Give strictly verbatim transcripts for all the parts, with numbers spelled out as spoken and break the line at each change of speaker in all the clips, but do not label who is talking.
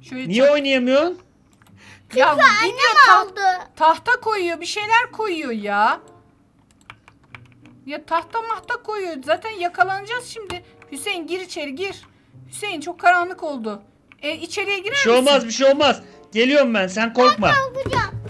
Şöyle
Niye oynayamıyorsun?
Ya
Annem
gidiyor ta-
aldı.
tahta koyuyor, bir şeyler koyuyor ya. Ya tahta mahta koyuyor. Zaten yakalanacağız şimdi. Hüseyin gir içeri gir. Hüseyin çok karanlık oldu. E, içeriye girer
Bir şey
misin?
olmaz bir şey olmaz. Geliyorum ben sen korkma.
Alacağım.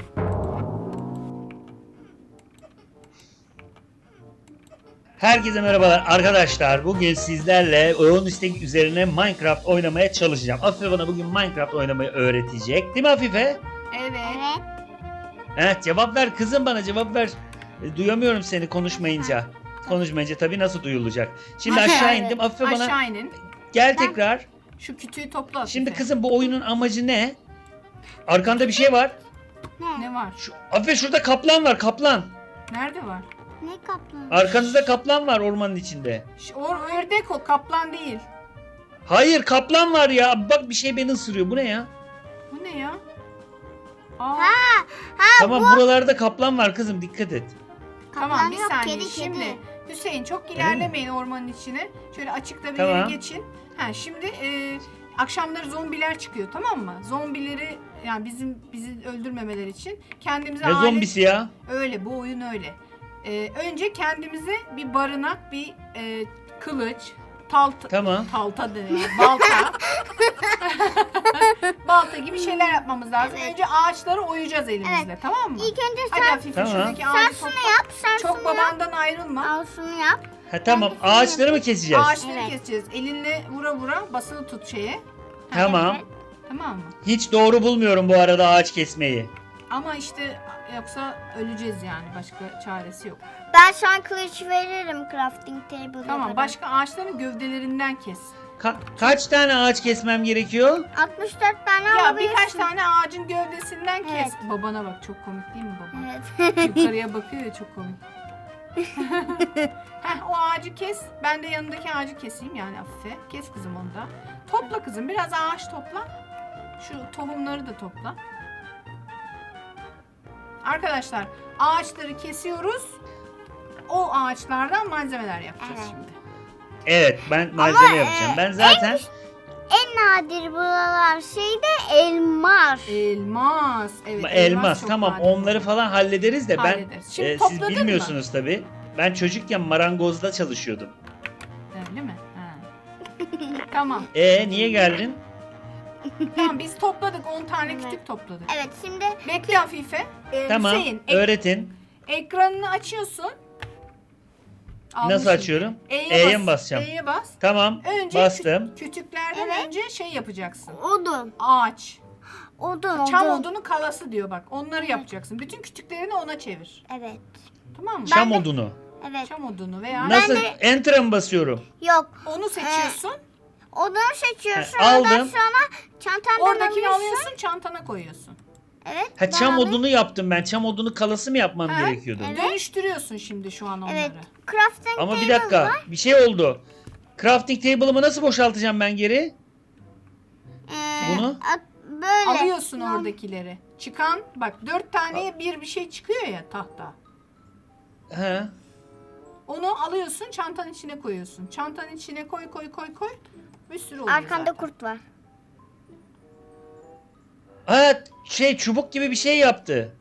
Herkese merhabalar arkadaşlar. Bugün sizlerle oyun istek üzerine Minecraft oynamaya çalışacağım. Afife bana bugün Minecraft oynamayı öğretecek. Değil mi Afife?
Evet.
Evet.
Evet cevap ver kızım bana cevap ver. E, Duyamıyorum seni konuşmayınca. Konuşmayınca tabii nasıl duyulacak. Şimdi aşağı indim. Afife bana
Aşağı inin.
gel tekrar.
Şu kütüğü topla Afife.
Şimdi kızım bu oyunun amacı ne? Arkanda bir şey var.
Ne?
Ne var?
Şu, Afife şurada kaplan var kaplan.
Nerede var?
Ne kaplan?
Arkanızda kaplan var ormanın içinde.
Şu, o ördek o, kaplan değil.
Hayır kaplan var ya. Bak bir şey beni ısırıyor. Bu ne ya?
Bu ne ya? Aa,
Ha, ha
Tamam
bu.
buralarda kaplan var kızım dikkat et.
tamam
Kaplan
bir
yok,
saniye.
kedi,
Şimdi
kedi.
Hüseyin çok ilerlemeyin ormanın içine. Şöyle açıkta bir
Tamam.
yere geçin. Ha şimdi e, akşamları zombiler çıkıyor, tamam mı? Zombileri yani bizim bizi öldürmemeleri için kendimize
Ne
alet-
zombisi ya?
öyle, bu oyun öyle. E, önce kendimize bir barınak, bir e, kılıç, talta,
Tamam.
talta deniyor, balta. balta gibi şeyler yapmamız lazım.
Evet.
Önce ağaçları oyacağız elimizle, tamam mı?
İlk önce
Hadi
sen,
Afife
Tamam.
şuradaki
sen
ağacı
şunu
topla.
yap. Sen
Çok
şunu yap.
babandan ayrılma.
Al şunu yap.
Ha tamam
Ben de
ağaçları mı keseceğiz?
Ağaçları
Evet.
keseceğiz. Elinle vura vura basılı tut şeye.
Tamam.
Evet.
Tamam mı?
Hiç doğru bulmuyorum bu arada ağaç kesmeyi.
Ama işte yoksa öleceğiz yani. Başka çaresi yok.
Ben sana kılıç veririm crafting table'da.
Tamam. Başka ağaçların gövdelerinden kes.
Ka- kaç tane ağaç kesmem gerekiyor?
altmış dört tane
Ya
alabilirsin.
birkaç tane ağacın gövdesinden kes.
Evet.
Babana bak, çok komik değil mi baba?
Evet.
Yukarıya bakıyor ya, çok komik. Heh, o ağacı kes. Ben de yanındaki ağacı keseyim yani Afife. Kes kızım onu da. Topla kızım. Biraz ağaç topla. Şu tohumları da topla. Arkadaşlar ağaçları kesiyoruz. O ağaçlardan malzemeler yapacağız
Evet.
şimdi.
Evet ben malzeme
Ama,
yapacağım.
e,
Ben zaten
En nadir buralar şey de elmas.
Elmas. Evet,
elmas
çok
tamam
nadir.
onları falan hallederiz de ben
Hallederiz. Şimdi
e, siz
topladın mı?
bilmiyorsunuz tabii. Ben çocukken marangozda çalışıyordum.
Öyle mi? Ha. Tamam.
E niye geldin?
Tamam biz topladık. on tane
Evet.
kütük topladık.
Evet şimdi
Bekle Afife. Ee,
Tamam
Hüseyin, ek-
öğretin.
ekranını açıyorsun.
Nasıl
Almışım.
açıyorum?
E'ye,
E'ye
bas.
mi basacağım?
E'ye bas.
Tamam
Önce
bastım.
kü- kütüklerden
Evet.
önce şey yapacaksın.
odun.
Ağaç.
Odun odun.
Çam odunu kalası diyor bak. Onları yapacaksın. Bütün kütüklerini ona çevir.
Evet.
Tamam mı?
Çam
de-
odunu.
Evet.
Çam odunu veya
Nasıl?
de-
Enter'a mı basıyorum?
Yok.
onu seçiyorsun.
Odun seçiyorsun.
He,
Ondan
aldım.
sonra çantandan
Oradakini
alıyorsun.
alıyorsun, çantana koyuyorsun.
Evet.
Ha
ben
çam
alayım.
odunu yaptım ben. Çam odunu kalası mı yapmam
Ha,
gerekiyordu?
evet.
Dönüştürüyorsun şimdi şu an onları.
Evet. Crafting
Ama bir
table
dakika.
var.
Bir şey oldu. Crafting table'ımı nasıl boşaltacağım ben geri?
Ee,
Bunu?
at- böyle.
Alıyorsun
Tamam.
oradakileri. Çıkan bak dört taneye bir bir şey çıkıyor ya tahta.
He.
Onu alıyorsun, çantanın içine koyuyorsun. Çantanın içine koy koy koy koy. Bir sürü oluyor
Arkanda
zaten.
kurt var.
Ha şey çubuk gibi bir şey yaptı.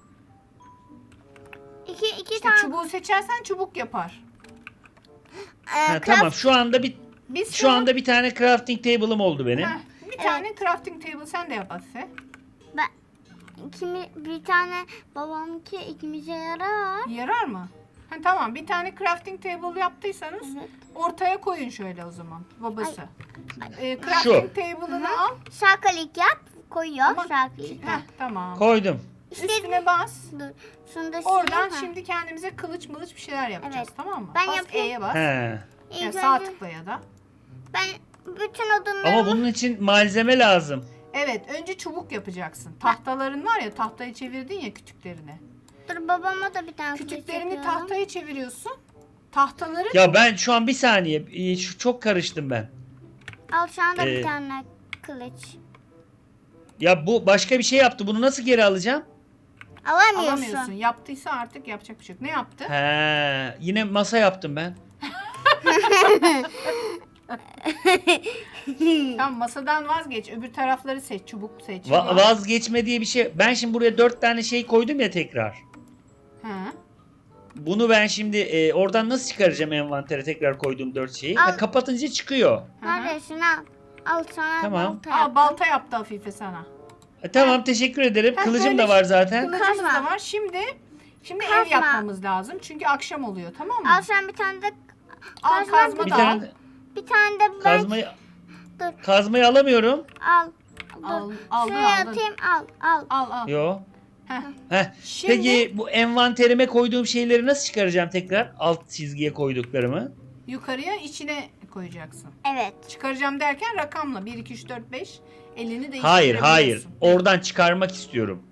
İki, iki
İşte
tane.
çubuğu seçersen çubuk yapar.
Ee,
Ha,
craft-
tamam şu anda bir
Biz
şu anda bir tane crafting table'ım oldu benim.
Heh, bir tane crafting table sen de yap Afife.
Ben, kimi, bir tane babamki ikimize yarar.
Yarar mı? Ha, tamam bir tane crafting table yaptıysanız
Evet.
ortaya koyun şöyle o zaman babası. Ee,
Şu.
crafting table'ını al.
Sağ klik yap. Koyuyor.
Ama-
Sağ klik.
Heh, tamam.
Koydum.
Üstüne bas.
Dur. Şunu da
Oradan
sileyim, ha.
şimdi kendimize kılıç mılıç bir şeyler yapacağız,
Evet.
tamam mı?
Ben
bas
yapayım.
E'ye bas.
He.
İlk
Ya sağ
önce
tıkla ya da.
ben bütün odunlarımı...
Ama bunun için malzeme lazım.
Evet, önce çubuk yapacaksın. Tahtaların var ya, tahtayı çevirdin ya kütüklerini.
Dur babama da bir tane kılıç
Kütüklerini
yapıyorum.
tahtaya çeviriyorsun. Tahtaları
Ya ben şu an bir saniye e, şu çok karıştım ben.
Al sana da
Ee,
bir tane kılıç.
Ya bu başka bir şey yaptı. Bunu nasıl geri alacağım?
Alamıyorsun.
alamıyorsun. Yaptıysa artık yapacak bir şey yok. Ne yaptı?
He. Yine masa yaptım ben.
Tamam, masadan vazgeç. Öbür tarafları seç. Çubuk seç.
Va- vazgeçme diye bir şey. Ben şimdi buraya dört tane şey koydum ya tekrar.
Ha.
Bunu ben şimdi e, oradan nasıl çıkaracağım envantere tekrar koyduğum dört şeyi?
Al.
Ha, kapatınca çıkıyor.
Neredesin al. Al sana
Tamam.
balta
Aa,
yaptım.
balta yaptı Afife sana.
E, tamam teşekkür ederim.
Ha,
Kılıcım
böyle
da var zaten.
Kılıcımız
Kazma.
da var. Şimdi şimdi ev
Kazma.
yapmamız lazım. Çünkü akşam oluyor, tamam mı?
Al sen bir tane de
Al
kazma
kazma
Bir
da al.
tane
bir tane de ben
kazmayı
dur.
kazmayı alamıyorum.
Al.
Al,
Dur.
aldın,
Şuraya
aldın.
atayım al al.
Al al.
Yo.
Heh.
Heh.
Şimdi
Peki bu envanterime koyduğum şeyleri nasıl çıkaracağım tekrar? Alt çizgiye koyduklarımı.
yukarıya içine koyacaksın.
Evet.
Çıkaracağım derken rakamla bir, iki, üç, dört, beş elini değiştirebiliyorsun.
Hayır hayır. Oradan çıkarmak istiyorum.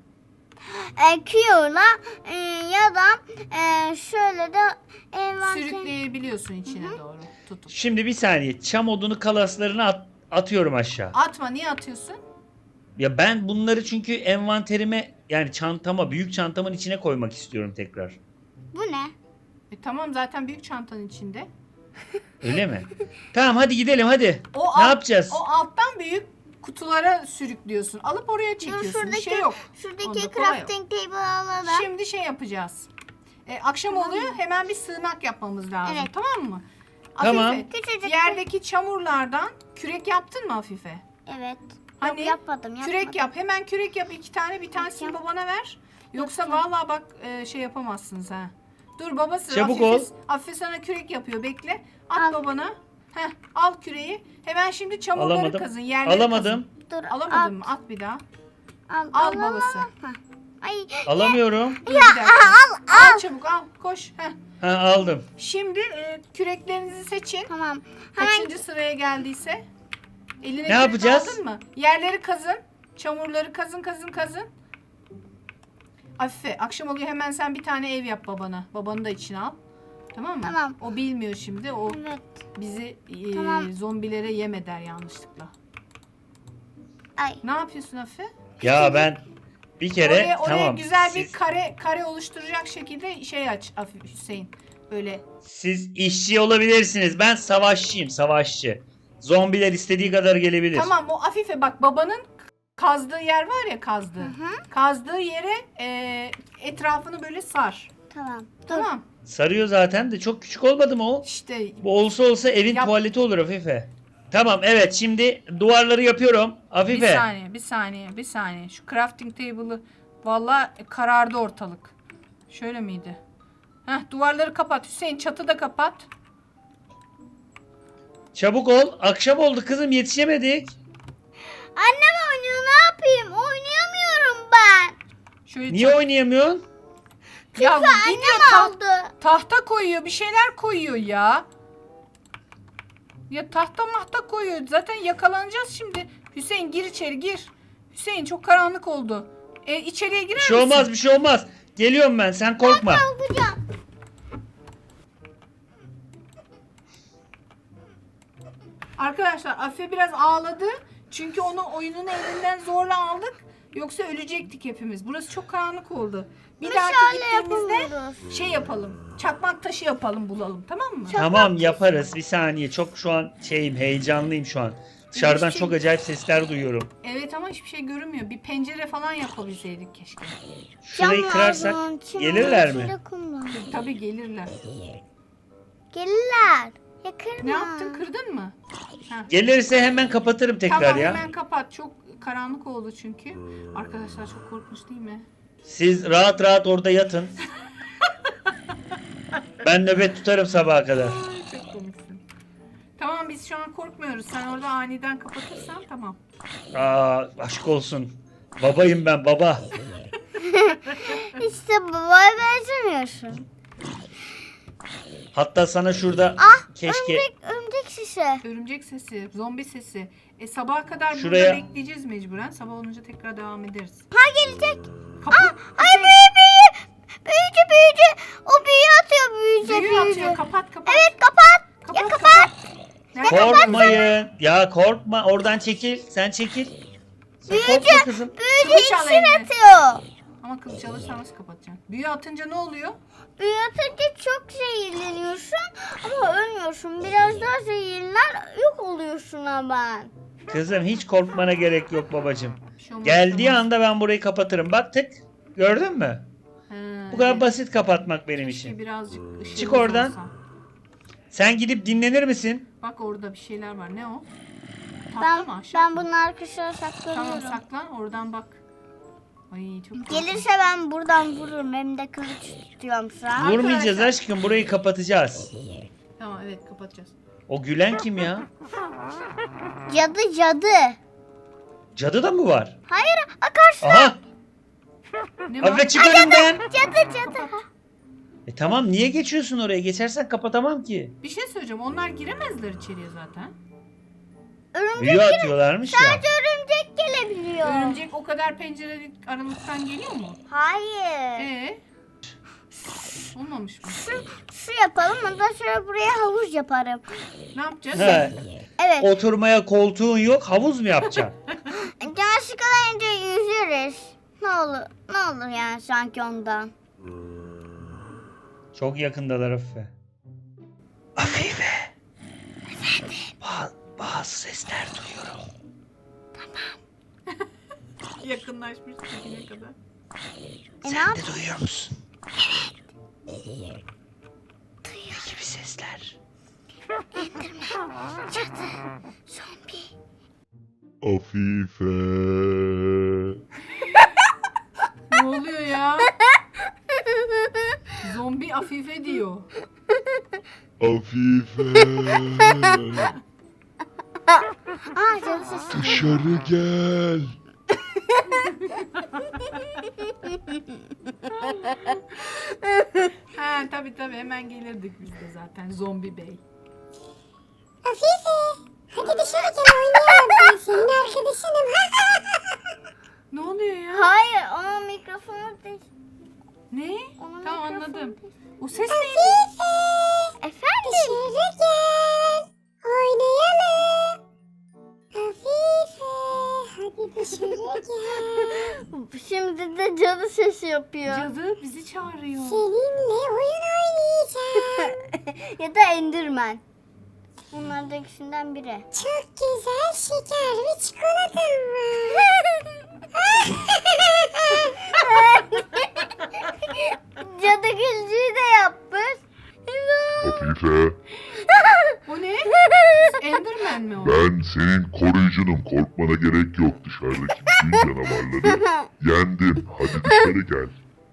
E, Q'la e, ya da e, şöyle de envanter.
Sürükleyebiliyorsun içine doğru tutup.
Şimdi bir saniye. Çam odunu kalaslarını at- atıyorum aşağı.
Atma, niye atıyorsun?
Ya ben bunları çünkü envanterime yani çantama, büyük çantamın içine koymak istiyorum tekrar.
Bu ne?
E, tamam, zaten büyük çantanın içinde.
Öyle mi? Tamam hadi gidelim hadi.
O
Ne
alt-
yapacağız?
O alttan büyük kutulara sürüklüyorsun. Alıp oraya çekiyorsun. Bir
şuradaki
şey yok.
şuradaki
Onda kolay
crafting table alalım.
Şimdi şey yapacağız. E, akşam oluyor, hemen bir sığınak yapmamız lazım.
Evet.
Tamam mı?
Tamam.
Afife,
Küçücük.
yerdeki çamurlardan kürek yaptın mı Afife?
Evet.
Hani
Yok, yapmadım yapmadım.
Kürek yap. Hemen kürek yap. iki tane, bir tanesini
Yap.
babana ver. Yoksa
Yapacağım.
vallahi bak e, şey yapamazsınız ha. Dur babası.
Çabuk
Afife,
ol.
Afife sana kürek yapıyor. Bekle. At
Al.
babana. Heh, al küreği. Hemen şimdi çamurları
Alamadım.
kazın. Yerleri
Alamadım.
Dur.
Kazın. Alamadın mı? At bir daha.
Al,
Al
al,
babası.
al. Hah. Ay.
Alamıyorum.
Dur bir dakika. Al, al çabuk al. Koş. Heh.
Ha aldım.
Şimdi e, küreklerinizi seçin.
Tamam. Hemen
Kaçıncı sıraya geldiyse. Eline
Ne
kürek
yapacağız?
aldın mı? Yerleri kazın. Çamurları kazın kazın kazın. Afife, akşam oluyor, hemen sen bir tane ev yap babana. Babanı da içine al. Tamam mı?
Tamam.
O bilmiyor şimdi. O
evet.
bizi e,
Tamam.
zombilere yem eder yanlışlıkla.
Ay.
Ne yapıyorsun Afife?
Ya ben bir kere
oraya oraya
tamam.
güzel
siz,
bir kare kare oluşturacak şekilde şey aç Afife, Hüseyin. Böyle
siz işçi olabilirsiniz. Ben savaşçıyım, savaşçı. Zombiler istediği kadar gelebilir.
tamam, o Afife bak, babanın kazdığı yer var ya, kazdığı. Kazdığı yere e, etrafını böyle sar.
Tamam. Dur.
Tamam.
Sarıyor zaten de çok küçük olmadı mı o?
İşte
Bu olsa olsa evin
Yap.
tuvaleti olur Afife. Tamam evet şimdi duvarları yapıyorum.
bir
Afife.
saniye, bir saniye, bir saniye. Şu crafting table'ı vallahi karardı ortalık. Şöyle miydi? Heh, duvarları kapat. Hüseyin, çatı da kapat.
Çabuk ol. Akşam oldu kızım yetişemedik.
Annem oynuyor, ne yapayım? Oynayamıyorum ben.
Şöyle
Niye oynayamıyorsun?
Ya gidiyor,
Annem
ta-
aldı.
tahta koyuyor, bir şeyler koyuyor ya. Ya tahta mahta koyuyor. Zaten yakalanacağız şimdi. Hüseyin gir içeri, gir. Hüseyin, çok karanlık oldu. E, içeriye girer
Bir şey
misin?
olmaz bir şey olmaz. Geliyorum ben sen korkma.
Kalkacağım.
Arkadaşlar Afife biraz ağladı. Çünkü onu oyunun elinden zorla aldık. Yoksa ölecektik hepimiz. Burası çok karanlık oldu. Bir dahaki
Meşale
gittiğimizde
yapamıyoruz.
şey yapalım. Çakmak taşı yapalım, bulalım, tamam mı?
Tamam yaparız bir saniye. Çok şu an şeyim heyecanlıyım şu an. Dışarıdan
şey-
çok acayip sesler duyuyorum.
Evet ama hiçbir şey görünmüyor. Bir pencere falan yapabilseydik keşke.
Şurayı
Cam
kırarsak
lazım, çim
gelirler
lazım,
mi?
içinde kum lazım.
Tabii gelirler.
Gelirler. Ya kırma.
Ne yaptın? Kırdın mı? Ha.
Gelirse hemen kapatırım tekrar
Tamam,
ya.
hemen kapat. Çok karanlık oldu çünkü. Arkadaşlar çok korkmuş değil mi?
Siz rahat rahat orada yatın. Ben nöbet tutarım sabaha kadar.
Ay, çok komiksin. Tamam, biz şu an korkmuyoruz. Sen orada aniden kapatırsan tamam.
Aa aşk olsun. Babayım ben baba.
İşte babaya benzemiyorsun.
Hatta sana şurada
Ah,
keşke
Örümcek, örümcek şişe.
Örümcek sesi, zombi sesi. E sabaha kadar
Şuraya-
burada bekleyeceğiz mecburen. Sabah olunca tekrar devam ederiz.
Ha gelecek.
Kapı,
Ay büyü büyü. Büyücü büyücü. O büyü atıyor büyücü
büyü
büyücü.
atıyor. Kapat, kapat.
Evet kapat.
Kapat,
Ya kapat.
Nerede?
korkmayın. Ya korkma oradan çekil. Sen çekil. Sen korkma kızım.
Büyücü
Kılıç al
iksir
eline.
atıyor.
Ama kılıç alırsan nasıl kapatacaksın? Büyü atınca ne oluyor?
Büyü atınca çok zehirleniyorsun ama ölmüyorsun. Biraz daha zehirler yok oluyorsun ama.
Kızım hiç korkmana gerek yok babacığım.
Bir şey olmaz,
Geldiği
bir şey olmaz.
anda ben burayı kapatırım. Bak tık. Gördün mü?
He,
Bu kadar
evet.
basit kapatmak benim
Keşke
işim.
birazcık ışığımız
Çık oradan.
olsa.
Sen gidip dinlenir misin?
Bak orada bir şeyler var. Ne o? Tahta
Ben,
mı aşağı
ben
mı?
bunun arkasına saklanıyorum.
Tamam saklan oradan bak. Ay çok
Gelirse ben buradan vururum. Hem de kılıç tutuyorum şu an.
Vurmayacağız
Arkadaşlar.
aşkım. Burayı kapatacağız.
Tamam evet kapatacağız.
O gülen kim ya?
Cadı cadı.
Cadı da mı var?
Hayır, a, karşı
Aha!
Ne var?
Afife çık önümden.
cadı cadı.
E tamam niye geçiyorsun oraya? Geçersen kapatamam ki.
Bir şey söyleyeceğim. Onlar giremezler içeriye zaten.
Örümcek,
Büyü atıyorlarmış ya.
sadece örümcek gelebiliyor.
Örümcek o kadar pencerelik aralıktan geliyor mu?
Hayır.
Ee? Olmamış mı?
Şu yapalım, ondan sonra buraya havuz yaparım.
Ne yapacağız?
He.
Evet.
Oturmaya koltuğun yok. Havuz mu yapacaksın?
Can sıkılınca yüzeriz. Ne olur, ne olur yani sanki ondan.
Çok yakındalar Afife. Afife. Efendim? Ba- bazı sesler duyuyorum.
Yakınlaşmış dibine kadar.
E, ne
Sen
yap-
de duyuyor musun? Evet. Duyuyor. Ne gibi sesler?
Cadı, zombi.
Afife.
Ne oluyor ya? Zombi Afife diyor.
Afife.
Aa, cadı sesi.
Dışarı gel.
Ha tabii tabii hemen gelirdik biz de zaten zombi bey.
Afife, hadi dışarı gel oynayalım. Ben senin arkadaşınım.
Ne oluyor ya?
Hayır, onun mikrofonu değil.
Ne?
Onun
Tamam
mikrofonu
anladım.
değil.
O ses neydi?
Efendim? Dışarı gel. Oynayalım. Afife, hadi dışarı gel. Şimdi de cadı sesi yapıyor.
Cadı bizi çağırıyor.
Seninle oyun oynayacağım. Ya da Enderman. Bunlardan ikisinden biri. Çok güzel şeker ve çikolatam var. Cadı gülcüğü de yapmış.
Afife.
O ne? Enderman mi o?
Ben senin koruyucunum. Korkmana gerek yok. Dışarıdaki bütün canavarları yendim. Hadi dışarı gel.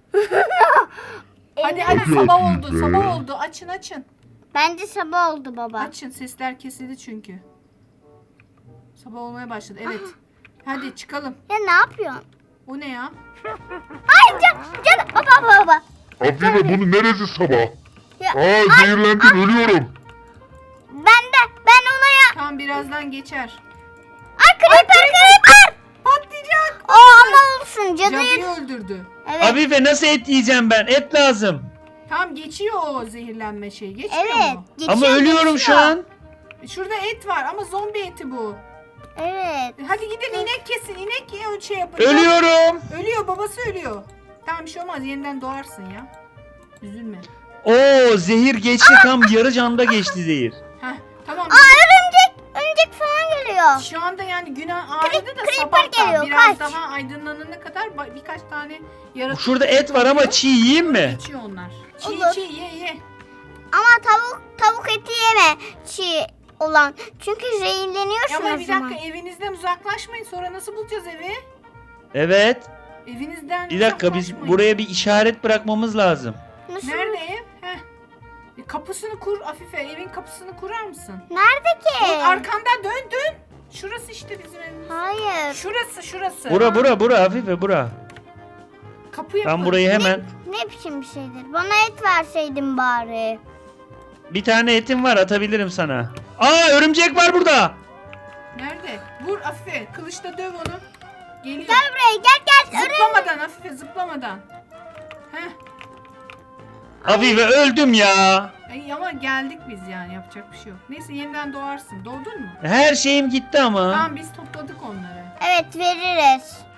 Hadi hadi
Hadi
sabah
Afife.
oldu sabah oldu açın açın.
Bence sabah oldu baba.
Açın sesler kesildi çünkü. Sabah olmaya başladı evet. Hadi çıkalım.
Ya ne yapıyorsun?
O ne ya?
Ay cadı, cadı. Baba baba baba.
Afife bunu neresi sabah?
Ya,
Aa zehirlendim ölüyorum.
ben de ben ona ya.
Tam birazdan geçer.
Ay creeper creeper.
Patlayacak.
O ama olsun cadıyı.
Cadıyı öldürdü.
Evet.
Afife nasıl et yiyeceğim ben? Et lazım.
Tam geçiyor o zehirlenme şeyi. Geçmiyor
Evet.
mu?
Geçiyor,
Ama ölüyorum
geçiyor.
şu an.
Şurada et var ama zombi eti bu.
Evet.
Hadi gidin inek kesin. İnek ye şey yapın.
Ölüyorum.
Ölüyor babası ölüyor. Tamam bir şey olmaz yeniden doğarsın ya. Üzülme.
Oo zehir geçti tam yarı canda geçti zehir.
Heh tamam.
Aa örümcek. Örümcek falan geliyor.
Şu anda yani gün ağrıdı da
creeper
sabah da
geliyor,
biraz
kaç.
daha aydınlanana kadar ba- birkaç tane yaratık
Şurada et var ama çiğ yiyeyim mi?
geçiyor onlar. Çiğ
Olur.
çiğ ye ye.
Ama tavuk tavuk eti yeme. Çiğ olan. Çünkü zehirleniyorsun
Ama
o
bir
zaman.
dakika evinizden uzaklaşmayın sonra nasıl bulacağız evi?
Evet.
Evinizden
Bir dakika biz
uzaklaşmayın.
buraya bir işaret bırakmamız lazım.
Nasıl?
Nerede ev? Heh. E, kapısını kur Afife evin kapısını kurar mısın?
Nerede ki?
Bak, arkanda dön dön. Şurası işte bizim evimiz.
Hayır.
Şurası şurası.
Bura bura bura Afife bura.
Kapı yapın.
Ben burayı hemen...
Ne biçim bir şeydir? Bana et verseydin bari.
Bir tane etim var atabilirim sana. Aa örümcek var burada.
Nerede? Vur Afife kılıçla döv onu. Geliyor.
Gel buraya gel gel. Örüm.
Zıplamadan Afife zıplamadan. Heh.
Afife öldüm ya.
Ay, ama geldik biz yani yapacak bir şey yok. Neyse yeniden doğarsın. Doğdun mu?
Her şeyim gitti ama.
Tamam biz topladık onları.
Evet veririz.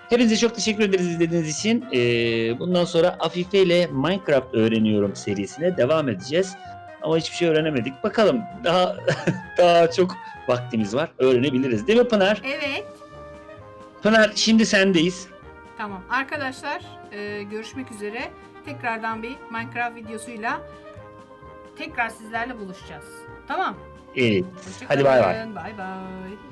Hepinize çok teşekkür ederiz izlediğiniz için. Ee, bundan sonra Afife ile Minecraft öğreniyorum serisine devam edeceğiz. Ama hiçbir şey öğrenemedik. Bakalım daha daha çok vaktimiz var. Öğrenebiliriz. Değil mi Pınar?
Evet.
Pınar şimdi sendeyiz.
Tamam arkadaşlar e, görüşmek üzere. Tekrardan bir Minecraft videosuyla tekrar sizlerle buluşacağız. Tamam.
Evet.
Hoşça
Hadi bay bay.
kalın. Bay bay.